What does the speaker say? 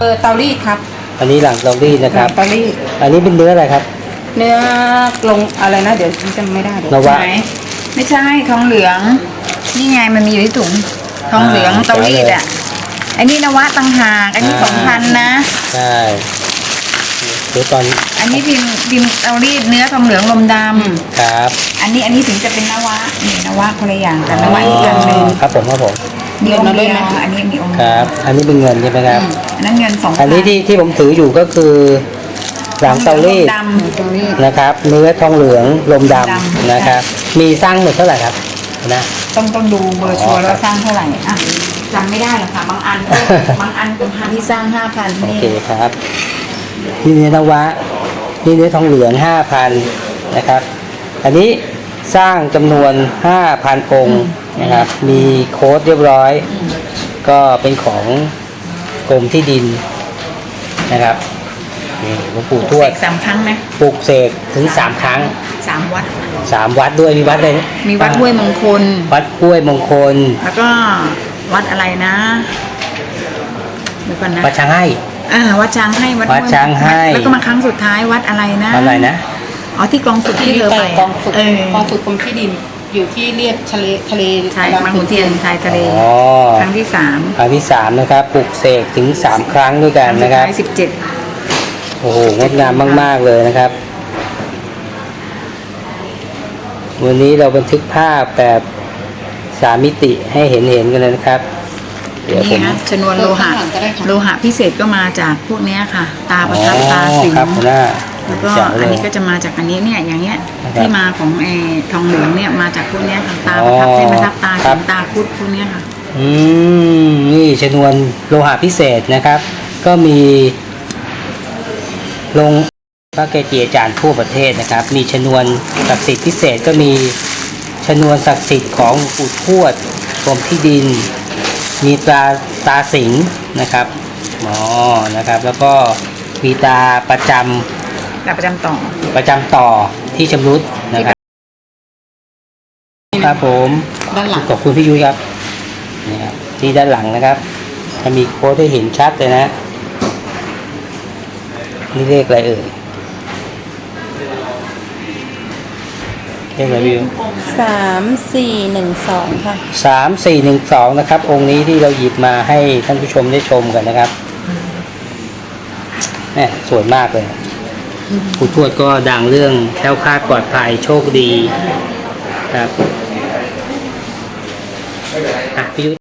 เตารีดครับอันนี้หลังเตารีดนะครับเตารีดอันนี้เป็นเนื้ออะไรครับเนื้อลงอะไรนะเดี๋ยวจำไม่ได้เดี๋ยวนวะไหนไม่ใช่ทองเหลืองนี่ไงมันมีอยู่ที่ถุงทองเหลืองเตารีดอ่ะอันนี้นวะต่างหากอันนี้2,000นะใช่เดี๋ยวตอนอันนี้พิมพ์เตารีดเนื้อทองเหลืองลมดำครับอันนี้ถึงจะเป็นนวะนี่นวะคนละอย่างกันนวะอีกอย่างหนึ่งครับผมมีองค์เดียวอันนี้มีองค์ครับอันนี้เป็นเงินใช่ไหมครับอันนั้นเงิน2,000 อันนี้ที่ผมถืออยู่ก็คือหลังเตารีดนะครับเนื้อทองเหลืองลมดำนะครับมีสร้างหมดเท่าไหร่ครับนะต้องดูเบอร์ชัวร์แล้วสร้างเท่าไหร่อ่ะจำไม่ได้หรอกค่ะบางอันเป็นพันที่สร้าง5,000 โอเคครับนี่เนื้อนวะนี่เนื้อทองเหลือง 5,000 นะครับอันนี้สร้างจำนวน 5,000 องค์นะครับมีโค้ดเรียบร้อยก็เป็นของกรมที่ดินนะครับนี่หลวงปู่ทวด 3 ครั้งนะปลูกเสกถึง3 ครั้ง 3 วัด 3 วัดด้วยมีวัดอะไรมีวัดห้วยมงคลวัดห้วยมงคลแล้วก็วัดอะไรนะเดี๋ยวก่อนนะวัดช้างให้วัดช้างให้วัดช้างให้แล้วก็มาครั้งสุดท้ายวัดอะไรนะอะไรนะอ๋อที่กองฝึกที่เธอไปกองฝึกกรมที่ดินอยู่ที่เรียบทะเลชายบางขุนเทียนชายทะเลครั้งที่3 นะครับปลุกเสกถึง3 ครั้งด้วยกันนะครับ 17 โอ้โหงดงามมากๆเลยนะครับวันนี้เราบันทึกภาพแบบ3 มิติให้เห็นกันเลยนะครับเดี๋ยวผมชนวนโลหะพิเศษก็มาจากพวกนี้ค่ะตาประทับตาสิงแล้วก็อันนี้ก็จะมาจากอันนี้เนี่ยอย่างเงี้ยที่มาของทองเหลืองเนี่ยมาจากพวกนี้ค่ะตาประทับเส้นประทับตาสิงตาคุดพวกนี้ค่ะนี่ชนวนโลหะพิเศษนะครับก็มีลงพระเกจิอาจารย์ทั่วประเทศนะครับมีชนวนศักดิ์สิทธิ์พิเศษก็มีชนวนศักดิ์สิทธิ์ของปู่ทวดกรมที่ดินมีตาสิงนะครับนะครับแล้วก็มีตาประจำต่อที่ชำรุดนะครับครับผมด้านหลังขอบคุณพี่ยุ้ยครับนี่ครับที่ด้านหลังนะครับจะมีโค้ดให้เห็นชัดเลยนะนี่เลขอะไรเอ่ยเลขอะไรพี่ยุ้ย 3412ค่ะ 3412นะครับองค์นี้ที่เราหยิบมาให้ท่านผู้ชมได้ชมกันนะครับเนี่ยสวยมากเลยปู่ทวดก็ดังเรื่องแคล้วคลาดปลอดภัยโชคดีครับพี่ยุ้ย